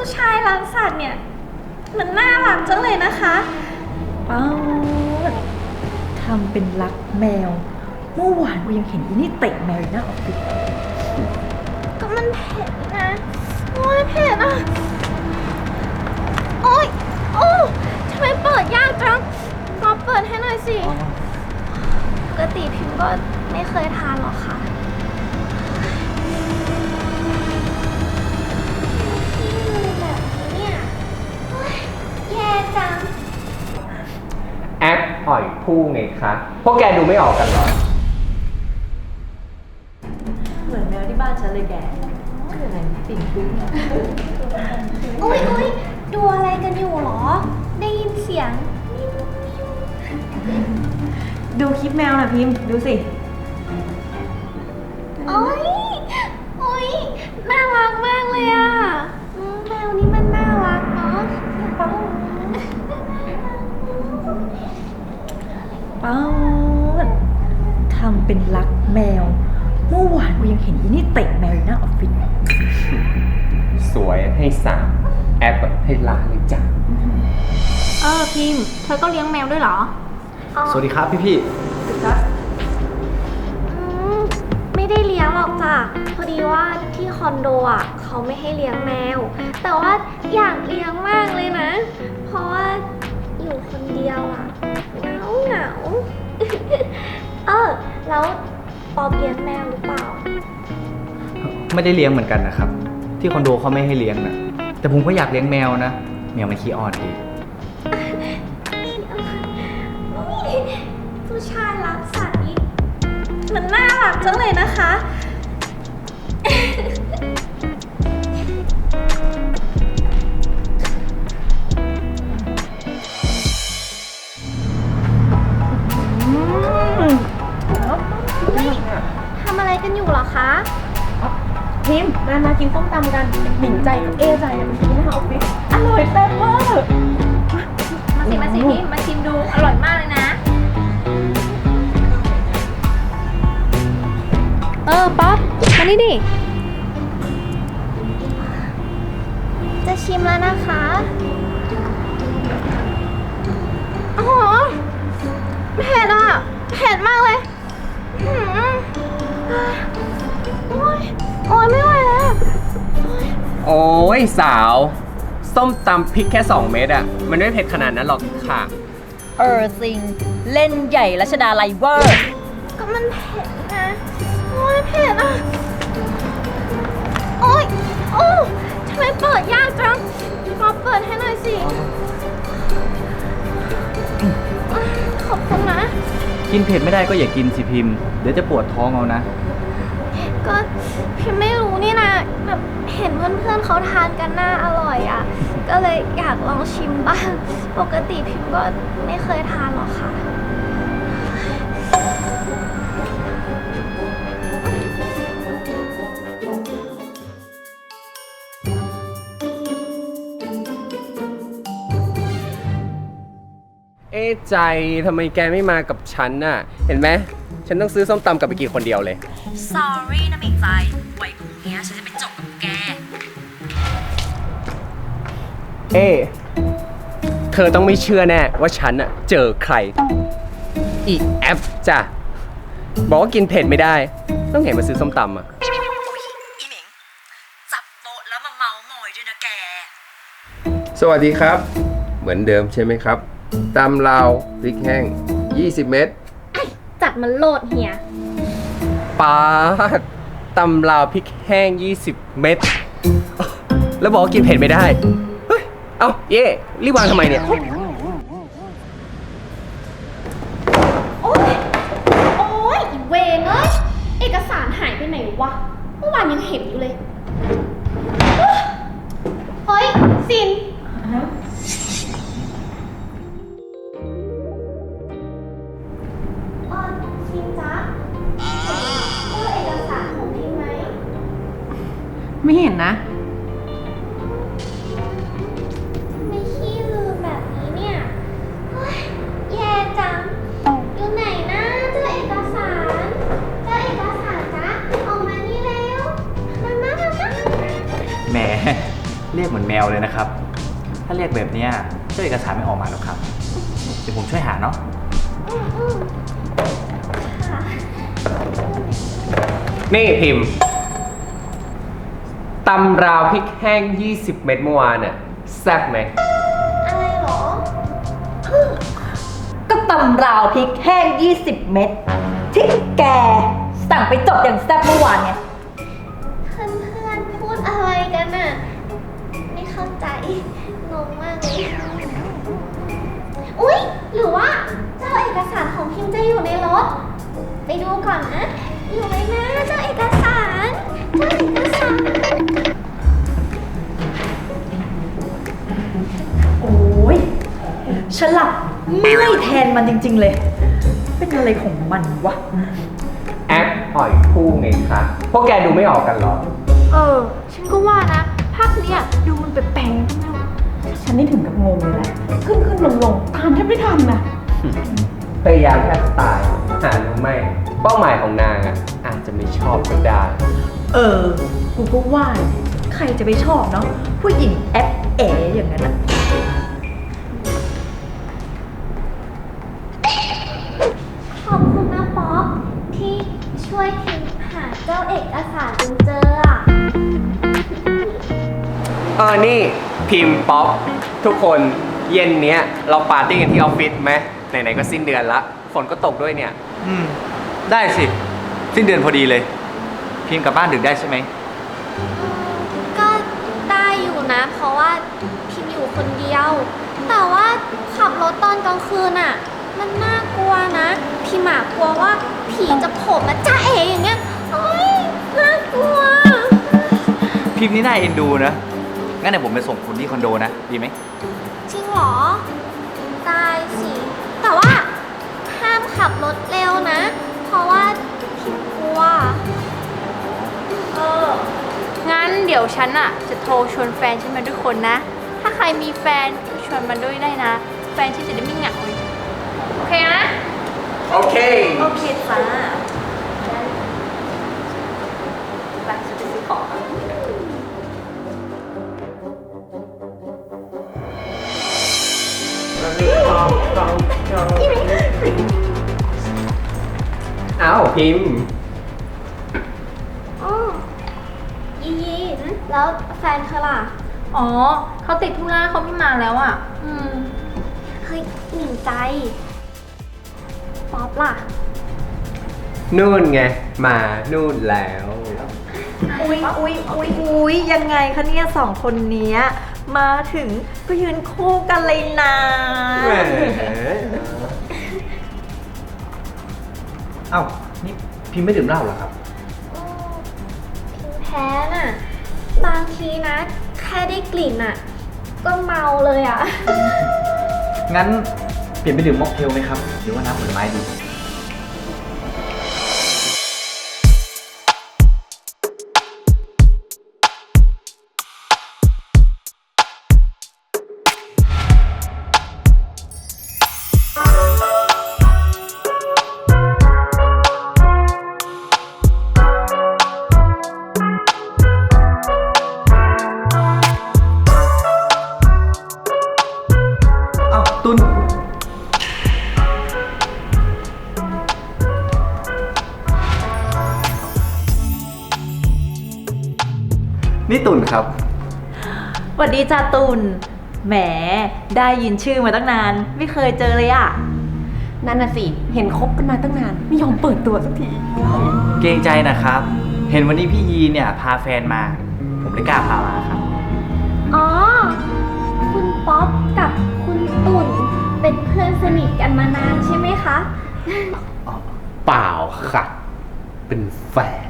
ผู้ชายรักสัตว์เนี่ยมันน่ารักจังเลยนะคะทำเป็นรักแมวเมื่อวานกูยังเห็นอีนี่เตะแมวอยู่หน้าออฟฟิศก็มันเผ็ดนะโอ้ยเผ็ดอ่ะโอ้ยโอ้ทำไมเปิดยากจังก็เปิดให้หน่อยสิปกติพิมก็ไม่เคยทานหรอกค่ะแบบนี้เนี่ยแย่จังแอปหอยผู้ไงคะพวกแกดูไม่ออกกันเหรอเหมือนแมวที่บ้านฉันเลยแกคืออะไรปิ่นปิ้งอะอุ้ยดูอะไรกันอยู่หรอได้ยินเสียงดูคลิปแมวนะพิมพ์ดูสิโอ้ยน่ารักมากเลยอ่ะแมวนี้มันน่ารักเนาะทำเป็นรักแมวเมื่อวานกูยังเห็นอีนี่เตะแมวอยู่หน้าออฟฟิศสวยให้สามแอปให้ล้านเลยจ้ะพิมพ์เธอก็เลี้ยงแมวด้วยเหรอสวัสดีครับพี่ไม่ได้เลี้ยงหรอกจ้ะพอดีว่าที่คอนโดอ่ะเขาไม่ให้เลี้ยงแมวแต่ว่าอยากเลี้ยงมากเลยนะเพราะว่าอยู่คนเดียวอ่ะเหงาแล้วปอบเลี้ยงแมวหรือเปล่าไม่ได้เลี้ยงเหมือนกันนะครับที่คอนโดเขาไม่ให้เลี้ยงนะแต่ผมก็อยากเลี้ยงแมวนะแมวมันขี้อ่อนดีผู้ชายรักสัตว์นี่มันน่ารักจังเลยนะคะทำอะไรกันอยู่เหรอคะพิมพ์มากินส้มตำกันหมิ่งใจกับเอใจมันกินหน้าออฟฟิศอร่อยเต็มเวอร์มาสิพิมพ์มาชิมดูอร่อยมากเลยนะป๊อปมานี่ดิจะชิมแล้วนะคะโอ้โหเผ็ดอ่ะเผ็ดมากเลยโอ้ยไม่ไหวแล้วโอ้ยสาวส้มตำพริกแค่2เม็ดอ่ะมันไม่เผ็ดขนาดนั้นหรอกค่ะซิงเล่นใหญ่รัชดาไลเวอร์ก็มันเผ็ดนะโอ้ยเผ็ดอ่ะโอ้ยทำไมเปิดยากจังก็เปิดให้หน่อยสิขอบคุณนะกินเผ็ดไม่ได้ก็อย่ากินสิพิมพ์เดี๋ยวจะปวดท้องเอานะก็พิมไม่รู้นี่นะแบบเห็นเพื่อนๆเขาทานกันน่าอร่อยอ่ะก็เลยอยากลองชิมบ้างปกติพิมก็ไม่เคยทานหรอกค่ะใจทำไมแกไม่มากับฉันน่ะเห็นไหมฉันต้องซื้อส้มตำกลับไปกินคนเดียวเลย Sorry นะหมิ่งใจไว้พรุ่งนี้ฉันจะไปจบกับแกเธอต้องไม่เชื่อแน่ว่าฉันน่ะเจอใครอีแอปจ้ะบอกว่ากินเผ็ดไม่ได้ต้องเห็นมาซื้อส้มตำอ่ะอีหมิงจับโต๊ะแล้วมาเมาหมอยด้วยนะแกสวัสดีครับเหมือนเดิมใช่ไหมครับตำลาวพริกแห้ง20 เม็ดจัดมันโลดเฮียปาดตำลาวพริกแห้ง20 เม็ดแล้วบอกว่ากินเผ็ดไม่ได้เฮ้ยเอาเย่รีบวางทำไมเนี่ยโอ๊ยอีเวงเอ้ยเอกสารหายไปไหนวะเมื่อวานยังเห็นอยู่เลยเฮ้ยซินพิมจ๊ะเอกสารของพิมไหมไม่เห็นนะไม่ขี้ลืมแบบนี้เนี่ยแย่จังอยู่ไหนนะเจอเอกสารจ๊ะออกมานี่แล้วมาแหมเรียกเหมือนแมวเลยนะครับ ถ้าเรียกแบบเนี้ยเจ้าเอกสารไม่ออกมาหรอกครับ เดี๋ยวผมช่วยหาเนาะนี่พิมพ์ตำราวพริกแห้ง 20 เม็ดเมื่อวานน่ะแซ่บไหมอะไรเหรอก็ตำราวพริกแห้ง 20 เม็ดที่แกสั่งไปจบอย่างแซ่บเมื่อวานไงเพื่อนๆพูดอะไรกันน่ะ ไม่เข้าใจงงมากเลย อุ๊ย หรือว่าเจ้าเอกสารของพิมพ์จะอยู่ในรถ ไปดูก่อนนะ อยู่ไหมนะเจ้าเอกสารเจ้าเอกสารโอ้ยฉันหลับเมื่อยแทนมันจริง ๆ เลย เป็นอะไรของมันวะแอปหอยคู่ไงคะพวกแกดูไม่ออกกันเหรอฉันก็ว่านะ ภาคเนี้ยดูมันแปลกๆนะฉันนี่ถึงกับงงเลยแหละ ขึ้นลงตามแทบไม่ทันนะพยายามแทบตายหารู้ไหมเป้าหมายของนางอ่ะอาจจะไม่ชอบก็ได้กูก็ว่าใครจะไปชอบเนาะผู้หญิงแอปเอ๋อย่างนั้นอะขอบคุณนะป๊อปที่ช่วยพิมพ์หาเจ้าเอกสารจนเจออ่ะนี่พิมพ์ป๊อปทุกคนเย็นเนี้ยเราปาร์ตี้กันที่ออฟฟิศไหมไหนๆก็สิ้นเดือนละฝนก็ตกด้วยเนี่ยได้สิ สิ้นเดือนพอดีเลย พิมพ์กลับบ้านดึกได้ใช่ไหมก็ได้อยู่นะ เพราะว่าพิมอยู่คนเดียว แต่ว่าขับรถตอนกลางคืนอ่ะ มันน่ากลัวนะ พี่หมากลัวว่าผีจะโผล่มาจ้าเอ๋อย่างเงี้ยโอ๊ยน่ากลัวพิมพ์นี่น่าเอ็นดูนะ งั้นเดี๋ยวผมไปส่งคุณที่คอนโดนะ ดีไหมจริงเหรอ ได้สิ แต่ว่าห้ามขับรถเร็วนะ เพราะว่าพิมกลัวงั้นเดี๋ยวฉันอะจะโทรชวนแฟนฉันมาด้วยคนนะ ถ้าใครมีแฟนก็ชวนมาด้วยได้นะ แฟนฉันจะได้ไม่เหงาเลยโอเคนะโอเคโอเคจ้าไปฉันไปซื้อของอ้าวพิมพ์อ๋อยีแล้วแฟนเธอล่ะอ๋อ เขาติดธุระเขาไม่มาแล้วอ่ะเฮ้ยหนิงใจ ป๊อปล่ะนู่นไง มานู่นแล้วอุ๊ยยังไงคะเนี่ยสองคนเนี้ยมาถึงก็ยืนคู่กันเลยนะแหมเอ้า นี่พิมพ์ไม่ดื่มเหล้าเหรอครับพิมแพ้น่ะ บางทีนะ แค่ได้กลิ่นอ่ะ ก็เมาเลยอ่ะงั้นเปลี่ยนไปดื่มม็อกเทลไหมครับ หรือว่าน้ำผลไม้ดี เอ้า ตุน นี่ตุนครับสวัสดีจ้าตุลแหมได้ยินชื่อมาตั้งนาน ไม่เคยเจอเลยอะนั่นน่ะสิ เห็นคบกันมาตั้งนาน ไม่ยอมเปิดตัวสักทีเกรงใจนะครับ เห็นวันนี้พี่ยีเนี่ยพาแฟนมา ผมเลยกล้าพามาครับอ๋อ คุณป๊อปกับคุณตุ่นเป็นเพื่อนสนิทกันมานานใช่ไหมคะเปล่าค่ะ เป็นแฟน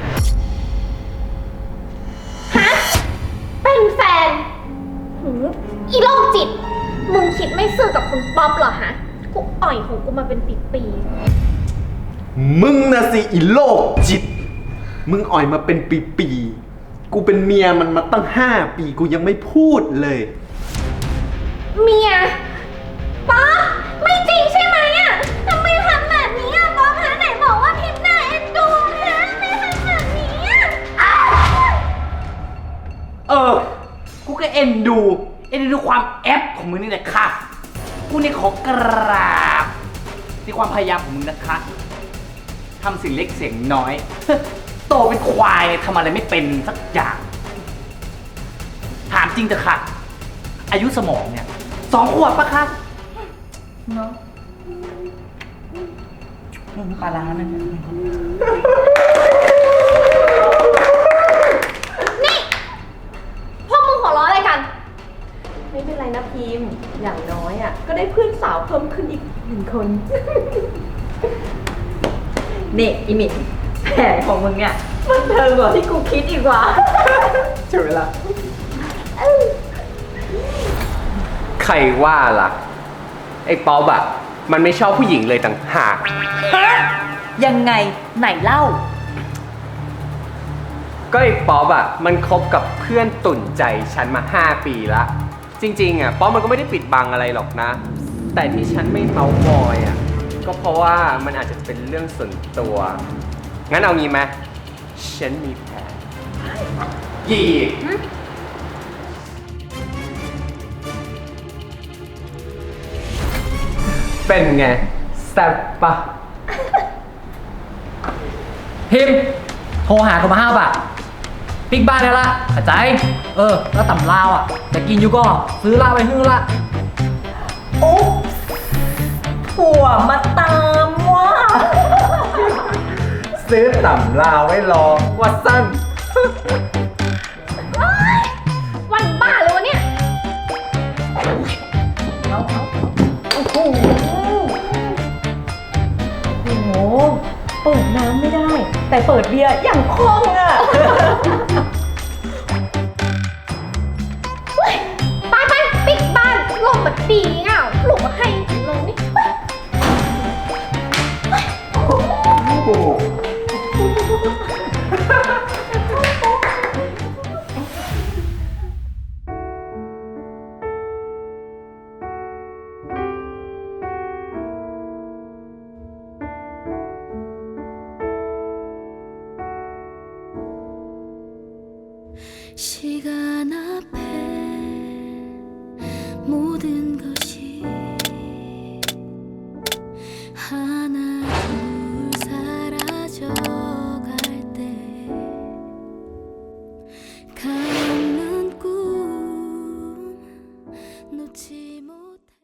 เป็นแฟนหืออีโรคจิต มึงคิดไม่ซื่อกับคุณป๊อปเหรอฮะ กูอ่อยของกูมาเป็นปีมึงนะสิอีโลกจิต มึงอ่อยมาเป็นปีๆ กูเป็นเมียมันมาตั้ง5 ปีกูยังไม่พูดเลยๆเมีย ป๊อปไม่จริงใช่ไหมอ่ะทำไมทำแบบนี้อ่ะป๊อปฮะไหนบอกว่าพิมพ์น่าเอ็นดูนะไม่ทำแบบนี้อ่ะอ้าวเออกูก็เอ็นดูความแอปของมึงนี่แหละค่ะ กูนี่ขอกราบในความพยายามของมึงนะคะทำสิ่งเล็กเสียงน้อย โตเป็นควายทำอะไรไม่เป็นสักอย่าง ถามจริงเถอะค่ะ อายุสมองเนี่ย2 ขวบปะคะเนาะปลาร้านั่นเนี่ยพวกมึงหัวเราะอะไรกันไม่เป็นไรนะพิมพ์ อย่างน้อยอ่ะ ก็ได้เพื่อนสาวเพิ่มขึ้นอีก1 คน นี่อีมินแผนของมึงเนี่ยมันเทิงกว่าที่กูคิดอีกว่าใช่ไหมล่ะ ใครว่าล่ะ ไอ้ป๊อบอะมันไม่ชอบผู้หญิงเลยต่างหากยังไงไหนเล่าก็ไอ้ป๊อบอะมันคบกับเพื่อนตุ่นใจฉันมา 5 ปีละ จริงๆอะป๊อบมันก็ไม่ได้ปิดบังอะไรหรอกนะ แต่ที่ฉันไม่เมาท์มอยอะก็เพราะว่ามันอาจจะเป็นเรื่องส่วนตัว งั้นเอางี้ไหมฉันมีแผนยี่เป็นไงแซ่บปะพิมพ์โทรหากูมา5 บาทปิ๊กบ้านได้ละเข้าใจ แล้วตำลาวอ่ะจะกินอยู่ก็ซื้อละไปฮื้อละโอ้ผัวมาตามว่ะซื้อต่ำลาวไว้รอวัดสั้นวันบ้าเลยวะเนี่ยโอ้โห โอ้โห เปิดน้ำไม่ได้ แต่เปิดเบียร์อย่างคล่องอ่ะไปไปปิดบ้านลมแบบดีเงาหลุมมาให้ลงนี่ 시간